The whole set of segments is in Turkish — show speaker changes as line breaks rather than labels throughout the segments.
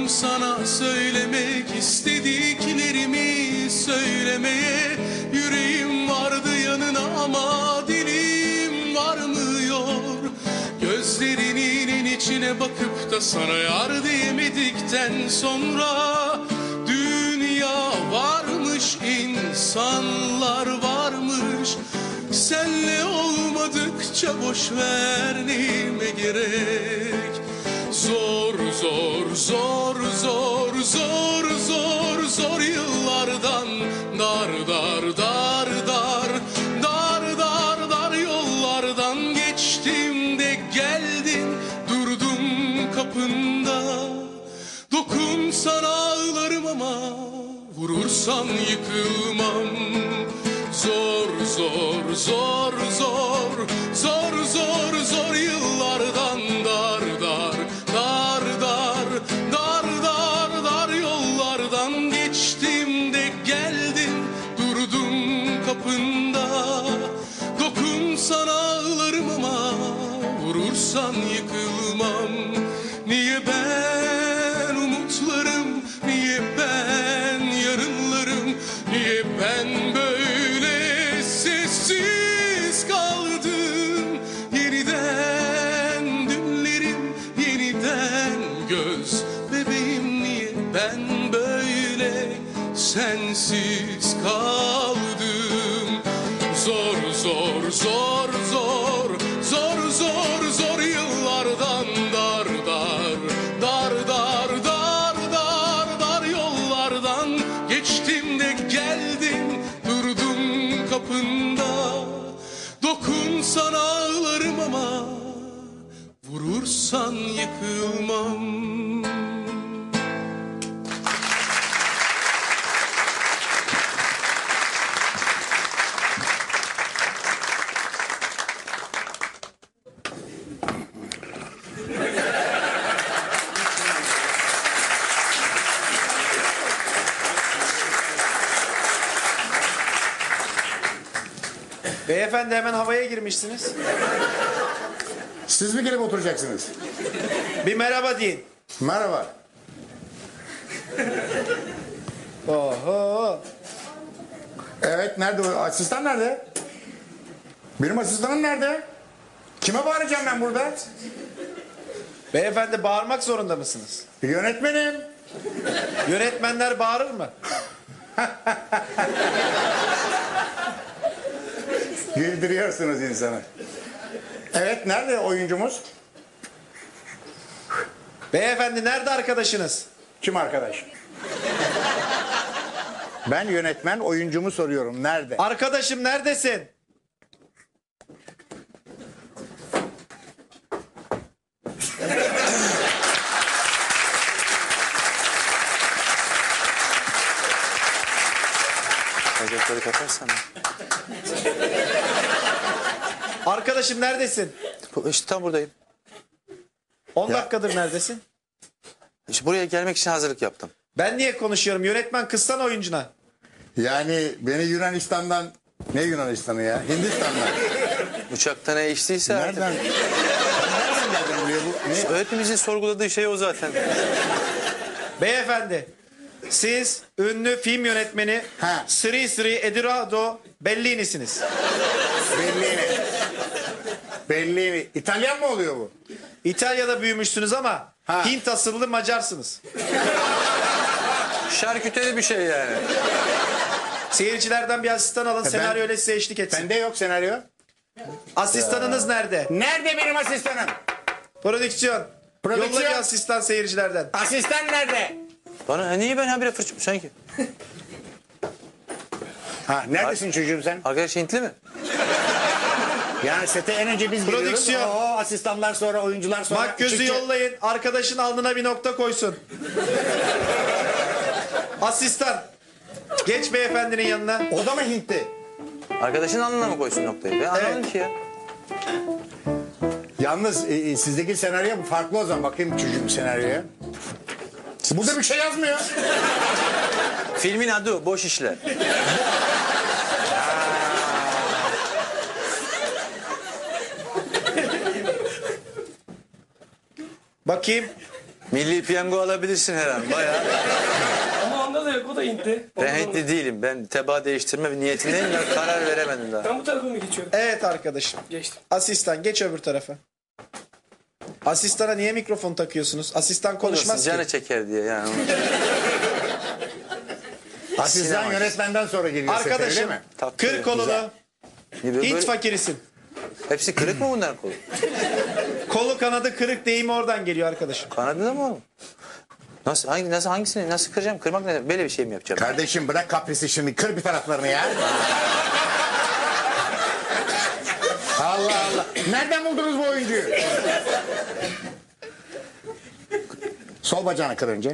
sana söylemek istediklerimi söylemeye. Yüreğim vardı yanına ama dilim varmıyor. Gözlerinin içine bakıp da sana yar diyemedikten sonra dünya varmış, insanlar varmış. Senle olmadıkça boş ver neyime gerek. Zor zor zor zor zor zor zor yıllardan dar dar dar dar dar dar dar yollardan geçtim de geldin durdum kapında. Dokunsan ağlarım ama vurursan yıkılmam. Zor zor zor zor zor zor zor yıllardan dar dar dar dar dar dar dar yollardan geçtim de geldim durdum kapında. Dokunsan ağlarım ama vurursan yıkılmam. Niye ben umutlarım, niye ben yarınlarım, niye ben böyle sessiz kaldım? Yeniden dünlerim, yeniden göz bebeğim, niye ben böyle sensiz kaldım? Zor zor zor zor zor zor zor yıllardan dar dar dar dar dar dar dar yollardan geçtim de geldim durdum kapında. Dokunsan ağlarım ama vurursan yıkılmam.
Beyefendi hemen havaya girmişsiniz.
Siz mi gelip oturacaksınız?
Bir merhaba deyin.
Merhaba.
Oho.
Evet, nerede o? Asistan nerede? Benim asistanım nerede? Kime bağıracağım ben burada?
Beyefendi bağırmak zorunda mısınız?
Yönetmenim.
Yönetmenler bağırır mı?
Güldürüyorsunuz insanı. Evet, nerede oyuncumuz?
Beyefendi nerede arkadaşınız?
Kim arkadaş? Ben yönetmen, oyuncumu soruyorum. Nerede?
Arkadaşım neredesin?
Bacakları kaparsan.
Arkadaşım neredesin?
İşte tam buradayım.
10 dakikadır neredesin?
İşte buraya gelmek için hazırlık yaptım.
Ben niye konuşuyorum? Yönetmen kızsana oyuncuna.
Yani beni Yunanistan'dan... Ne Yunanistan'ı ya? Hindistan'dan.
Uçakta ne içtiyse artık.
Nereden? Nereden geldin buraya bu? Ne?
Hepimizin sorguladığı şey o zaten.
Beyefendi, siz ünlü film yönetmeni
Ha.
Sri Edoardo Bellini'siniz.
Bellini. Bellini. İtalyan mı oluyor bu?
İtalya'da büyümüşsünüz ama
Ha.
Hint asıllı Macarsınız.
Şarküteri bir şey yani.
Seyircilerden bir asistan alın, senaryoyla size eşlik etsin.
Bende yok senaryo.
Asistanınız nerede?
Nerede benim asistanım?
Prodüksiyon.
Prodüksiyon.
Yolla bir asistan seyircilerden.
Asistan nerede?
Bana niye ben habire fırçım sanki?
Ha, neredesin çocuğum sen?
Arkadaş Hintli mi?
Yani sete en önce biz
Prodüksiyon.
geliyoruz. Oo, asistanlar sonra, oyuncular sonra.
Bak gözü
Çık-
yollayın, arkadaşın alnına bir nokta koysun. Asistan. Geç beyefendinin yanına.
O da mı Hintli?
Arkadaşın alnına mı koysun noktayı? Ben anlamadım ki ya.
Yalnız sizdeki senaryo farklı o zaman. Bakayım çocuğum senaryoya. Burada bir şey yazmıyor.
Filmin adı Boş İşler.
Bakayım.
Milli piyango alabilirsin her an bayağı.
Ama onda da yok, o da Hintli.
Ben Hintli değilim. Ben tebaa değiştirme niyetindeyim. Ben karar veremedim daha.
Ben bu tarafa mı geçiyorum?
Evet arkadaşım.
Geçtim.
Asistan geç öbür tarafa. Asistana niye mikrofon takıyorsunuz? Asistan konuşmaz
Olmasın, canı
ki.
çeker diye yani.
Asistan
Sinema.
yönetmenden sonra geliyor sefere, değil
Arkadaşım
mi?
kır kolunu.
Niye böyle-
Hint fakirisin.
Hepsi kırık mı bunların kolu?
Kolu kanadı kırık deyimi oradan geliyor arkadaşım.
Kanadı da mı oğlum? Nasıl kıracağım? Kırmak ne demek? Böyle bir şey mi yapacağım?
Kardeşim bırak kaprisi şimdi. Kır bir taraflarını ya. Allah Allah. Nereden buldunuz bu oyuncuyu? Sol bacağını kır önce.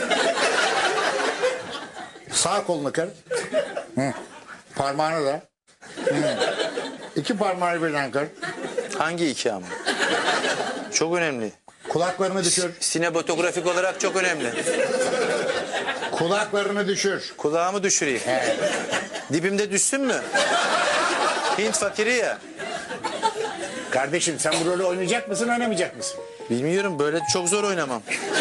Sağ kolunu kır. Hı. Parmağını da. Hı. İki parmağı birden kır.
Hangi iki ama? Çok önemli.
Kulaklarını düşür.
Sinematografik olarak çok önemli.
Kulaklarını düşür.
Kulağımı düşüreyim. Dibimde düşsün mü? Hint fakiri ya.
Kardeşim sen bu rolü oynayacak mısın, oynamayacak mısın?
Bilmiyorum, böyle çok zor oynamam.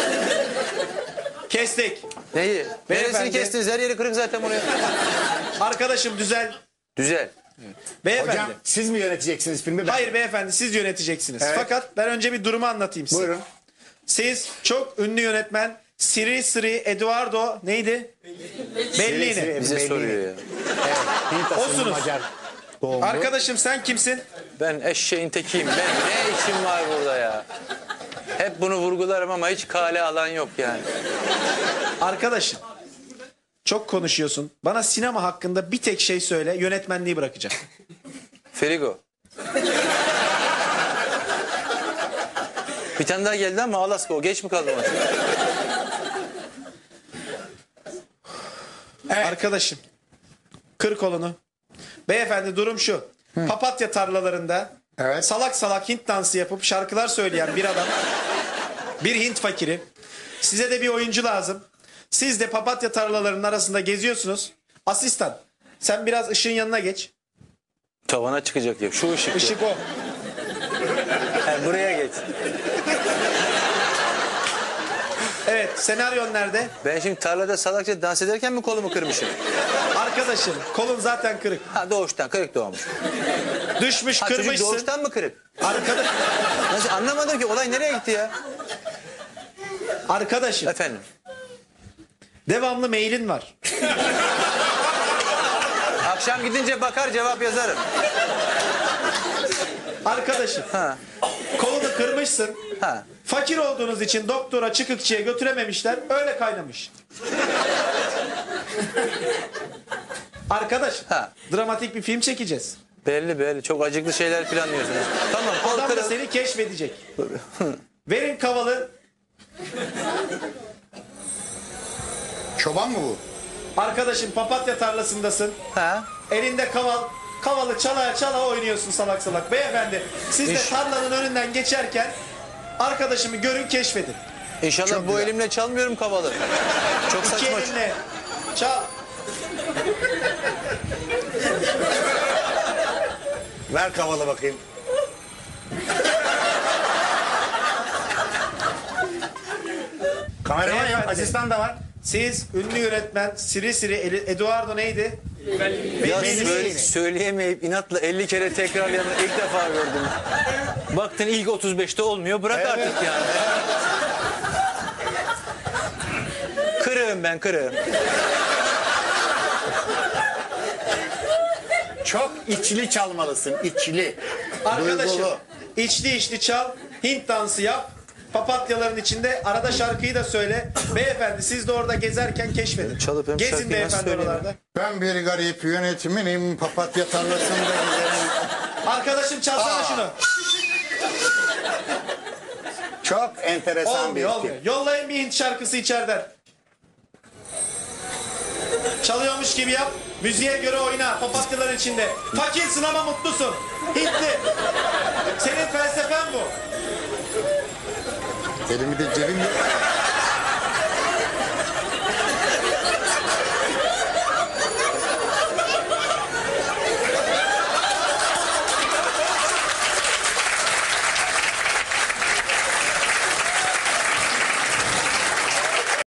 Kestik.
Neyi?
Beyefendi.
Neresini kestiniz? Her yeri kırık zaten buraya.
Arkadaşım düzel.
Güzel.
Beyefendi.
Hocam siz mi yöneteceksiniz filmi? Ben...
Hayır beyefendi siz yöneteceksiniz.
Evet.
Fakat ben önce bir durumu anlatayım size.
Buyurun.
Siz çok ünlü yönetmen Sri Eduardo neydi? Bellini.
Sri-
Bize
Belli.
soruyor ya.
Evet, Hint asıllı
Osunuz.
Macar doğumlu.
Arkadaşım sen kimsin?
Ben eşeğin tekiyim. Ben ne işim var burada ya? Hep bunu vurgularım ama hiç kale alan yok yani.
Arkadaşım. Çok konuşuyorsun. Bana sinema hakkında bir tek şey söyle. Yönetmenliği bırakacağım.
Frigo. Bir tane daha geldi ama Alaska, o geç mi kaldı maç?
Arkadaşım. Kır kolunu. Beyefendi durum şu. Papatya tarlalarında
Evet.
salak salak Hint dansı yapıp şarkılar söyleyen bir adam. Bir Hint fakiri. Size de bir oyuncu lazım. Siz de papatya tarlalarının arasında geziyorsunuz. Asistan. Sen biraz ışığın yanına geç.
Tavana çıkacak ya. Şu ışık.
Işık o.
He, buraya geç.
Evet, senaryon nerede?
Ben şimdi tarlada salakça dans ederken mi kolumu kırmışım?
Arkadaşım, kolun zaten kırık.
Ha, doğuştan kırık doğmuş.
Düşmüş,
Ha, çocuk
kırmışsın.
doğuştan mı kırık?
Arkadaş,
Nasıl, anlamadım ki, olay nereye gitti ya?
arkadaşım,
Efendim.
devamlı mailin var.
Akşam gidince bakar, cevap yazarım.
Arkadaşım,
Ha.
kolunu kırmışsın.
Ha.
Fakir olduğunuz için doktora, çıkıkçıya götürememişler. Öyle kaynamış. Arkadaş,
Ha.
dramatik bir film çekeceğiz.
Belli. Çok acıklı şeyler planlıyorsunuz. Tamam, kol
Adam da
kırıl.
seni keşfedecek. Verin kavalı.
Çoban mı bu?
Arkadaşım papatya tarlasındasın.
Ha.
Elinde kaval. Kavalı çala çala oynuyorsun salak salak. Beyefendi siz de
İş-
tarlanın önünden geçerken arkadaşımı görün keşfedin.
İnşallah
Çok
bu
güzel.
elimle çalmıyorum kavalı. Çok
İki
saçma.
elinle çal.
Ver kavalı bakayım. Kameraman yok,
Beyefendi.
asistan da var.
Siz ünlü yönetmen Eduardo neydi?
Ya
Belli.
söyleyemeyip inatla 50 kere tekrarlayanı ilk defa gördüm. Baktın ilk 35'te olmuyor, bırak
Evet.
artık yani. Kırığım ben, kırığım.
Çok içli çalmalısın, içli.
Arkadaşım
Duygulu.
içli çal, Hint dansı yap. Papatyaların içinde arada şarkıyı da söyle. Beyefendi siz de orada gezerken keşfedin.
Çalıp hem
Gezin
şarkıyı nasıl
beyefendi
söyleyeyim
oralarda.
Ben bir garip yönetmenim, papatya tarlasında giderim.
Arkadaşım çalsana şunu.
Çok enteresan
Olmuyor
bir
olmuyor.
film.
Yollayın bir Hint şarkısı içeriden. Çalıyormuş gibi yap. Müziğe göre oyna papatyaların içinde. Fakirsin ama mutlusun. Hintli. Senin felsefen bu.
Elimi de cebimde...